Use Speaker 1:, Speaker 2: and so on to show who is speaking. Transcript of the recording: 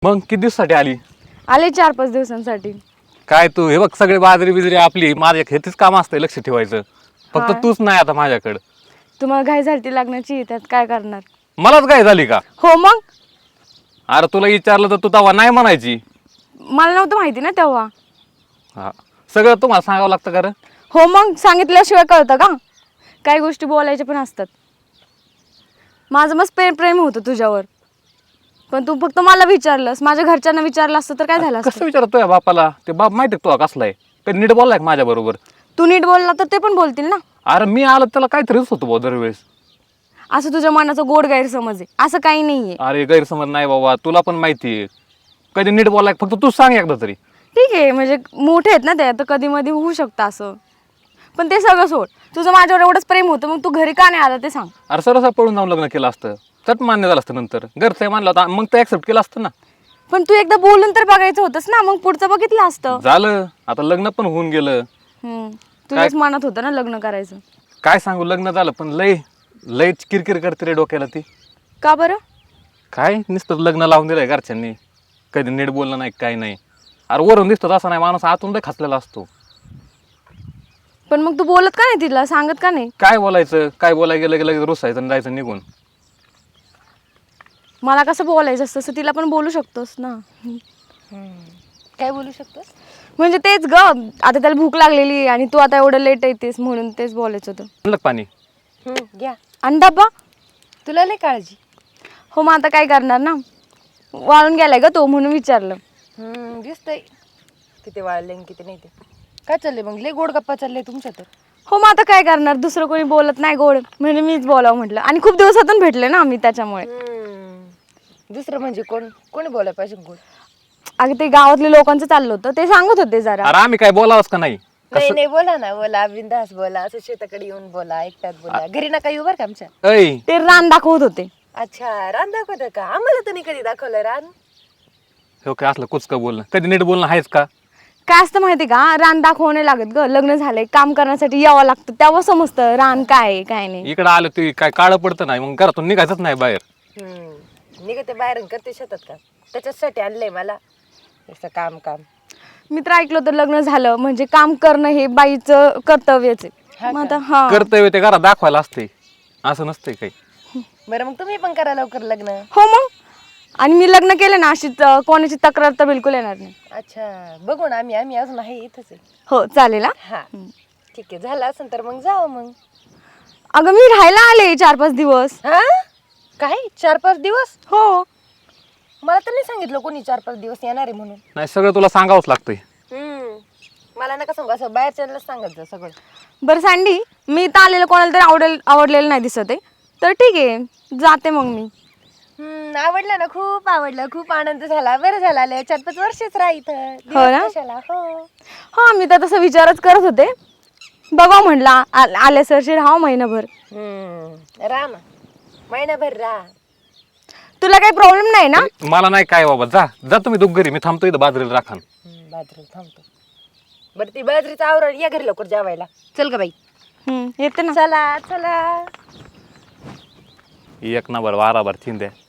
Speaker 1: मग किती दिवसासाठी आली?
Speaker 2: आले 4-5 दिवसांसाठी.
Speaker 1: काय तू हे बघ, सगळे बाजरी बिजरी आपली, माझ्या हेच काम असतंय लक्ष ठेवायचं. फक्त
Speaker 2: हा.
Speaker 1: तूच नाही आता माझ्याकडं.
Speaker 2: तुम्हाला घाई झाली लग्नाची, त्यात काय करणार?
Speaker 1: मलाच काय झाली का?
Speaker 2: हो मग
Speaker 1: अरे तुला विचारलं तर तू तेव्हा नाही म्हणायची.
Speaker 2: मला नव्हतं माहिती ना तेव्हा.
Speaker 1: हा, सगळं तुम्हाला सांगावं लागतं का रे?
Speaker 2: हो मग सांगितल्याशिवाय कळतं का? काही गोष्टी बोलायच्या पण असतात. माझं मस्त प्रेम होतं तुझ्यावर, पण तू फक्त मला विचारलंस, माझ्या घरच्यांना विचारलं असतं तर काय झालं असतं?
Speaker 1: कसं विचारतो या बापाला? ते बाप माहिती तुला कसला आहे? कधी नीट बोललाय का माझ्या बरोबर?
Speaker 2: तू नीट बोलला तर ते पण बोलतील ना.
Speaker 1: अरे मी आलो त्याला काहीतरीच होतो भाऊ दरवेळेस.
Speaker 2: असं तुझ्या मनाचा गोड गैरसमज आहे, असं काही नाहीये.
Speaker 1: अरे गैरसमज नाही बाबा, तुला पण माहिती आहे. कधी नीट बोललाय फक्त तू सांग एकदा तरी.
Speaker 2: ठीक आहे, म्हणजे मोठे आहेत ना ते, तर कधी मध्ये होऊ शकतं असं. पण ते सगळं सोड, तुझं माझ्यावर एवढंच प्रेम होतं, मग तू घरी का नाही आला ते सांग.
Speaker 1: अरे सरसा पळून जाऊन लग्न केलं असतं, चट मान्य झालं असतं. नंतर घरचं मानलं होतं मग ते ऍक्सेप्ट केलं असतं ना.
Speaker 2: पण तू एकदा बोलून तर बघायचं होतंस ना, मग पुढचं बघितलं असतं.
Speaker 1: झालं, आता लग्न पण होऊन गेलं.
Speaker 2: तुझ्याच मनात होतं ना लग्न करायचं.
Speaker 1: काय सांगू, लग्न झालं पण लय लय किरकिर करते रे डोक्याला ती.
Speaker 2: का बरं?
Speaker 1: काय नुसतं लग्न लावून दिलंय घरच्यांनी, कधी नीट बोललं नाही काय नाही. अरे वरून दिसतो तसा नाही, माणूस आतून लय खचलेला असतो.
Speaker 2: पण मग तू बोलत का नाही तिला, सांगत का नाही?
Speaker 1: काय बोलायचं, काय बोलायला गेलं की लगेच रुसायचं आणि जायचं निघून.
Speaker 2: मला कसं बोलायचं असतं तसं तिला पण बोलू शकतोस ना.
Speaker 3: काय बोलू शकतोस?
Speaker 2: म्हणजे तेच ग, आता त्याला भूक लागलेली आणि तू आता एवढं लेट येतेस म्हणून तेच बोलायचं होतं.
Speaker 1: म्हणलं का पाणी?
Speaker 3: घ्या.
Speaker 2: आणि डब्बा?
Speaker 3: तुला लय काळजी.
Speaker 2: हो मग आता काय करणार ना, वाळून गेलाय ग तो म्हणून विचारलं.
Speaker 3: दिसतंय किती वाळले आणि किती नाही ते. काय चाललंय मग? लय गोड गप्पा चालले तुमच्या तर.
Speaker 2: हो मग आता काय करणार, दुसरं कोणी बोलत नाही गोड, म्हणजे मीच बोलावं म्हटलं. आणि खूप दिवसातून भेटले ना आम्ही त्याच्यामुळे.
Speaker 3: दुसरं म्हणजे कोणी बोलायला पाहिजे गोड?
Speaker 2: अगं ते गावातल्या लोकांचं चाललं होतं, ते सांगत होते जरा.
Speaker 1: अरे आम्ही काय बोलावंच का नाही?
Speaker 3: नाही बोला ना, बोला बिंदास बोला, असं शेताकडे येऊन बोला, एकट्यात बोला, घरी नका येऊ बरं का आमच्या.
Speaker 1: ऐ
Speaker 2: ते रान दाखवत होते.
Speaker 3: अच्छा, रान दाखवतं का? आम्हाला तर नाही कधी दाखवलं रान.
Speaker 1: हो काय असलं कुचकं बोलणं, कधी नीट बोलणं आहेच का?
Speaker 2: काय असतं माहिती का, रान दाखवू नाही लागत ग. लग्न झालंय, काम करण्यासाठी यावं लागतं, तेव्हा समजतं रान काय आहे काय नाही.
Speaker 1: इकडं आलं ते काय काळं पडतं नाही, मग घरातून निघायचंच नाही बाहेर.
Speaker 3: निघते बाहेर करते शेतात का? त्याच्यासाठी आणलंय मला. असं काम
Speaker 2: मी तर ऐकलं होतं लग्न झालं म्हणजे काम करणं हे बाईचं कर्तव्यच आहे. मग आता हा
Speaker 1: कर्तव्य ते घरात दाखवायला असते, असं नसतंय काही.
Speaker 3: बरं मग तुम्ही पण करा लवकर लग्न.
Speaker 2: हो मग, आणि मी लग्न केलं ना अशी कोणाची तक्रार तर बिलकुल येणार नाही.
Speaker 3: अच्छा, बघू ना आम्ही अजून आहे इथंच आहे.
Speaker 2: हो चालेल.
Speaker 3: हा ठीक आहे, झालं असेल तर मग जाऊ मग.
Speaker 2: अगं मी राहायला आले 4-5 दिवस.
Speaker 3: हा काय 4-5 दिवस?
Speaker 2: हो.
Speaker 3: मला तर नाही सांगितलं कोणी 4-5 दिवस येणार आहे म्हणून.
Speaker 1: नाही सगळं तुला सांगावंच लागतंय.
Speaker 3: मला नका सांगू, असं बाहेरच्याला सांगायचं सगळं.
Speaker 2: बरं सँडी, मी तर आलेलं कोणाला तरी आवडलेलं नाही दिसत आहे, तर ठीक आहे जाते मग मी.
Speaker 3: आवडलं ना, खूप आवडलं, खूप आनंद झाला. बरं झालं आले, 4-5 वर्षच राहा इथं.
Speaker 2: हो ना?
Speaker 3: कशाला? हो.
Speaker 2: हा मी तर तसा विचारच करत होते, बघा म्हटलं आले सरशी राहा महिनाभर.
Speaker 3: राहा ना, महिनाभर राहा.
Speaker 2: तुला काही प्रॉब्लेम नाही ना?
Speaker 1: मला नाही काय बाबा, जा जा तुम्ही दोघ घरी, मी थांबतो इथं बाजरीला राखण.
Speaker 3: बाजरी थांबतो. बरं ती बाजरीचं आवरण या घरी लवकर जेवायला. चल ग बाई.
Speaker 2: येते ना.
Speaker 3: चला चला.
Speaker 1: एक नंबर वाराभर चिंध्या.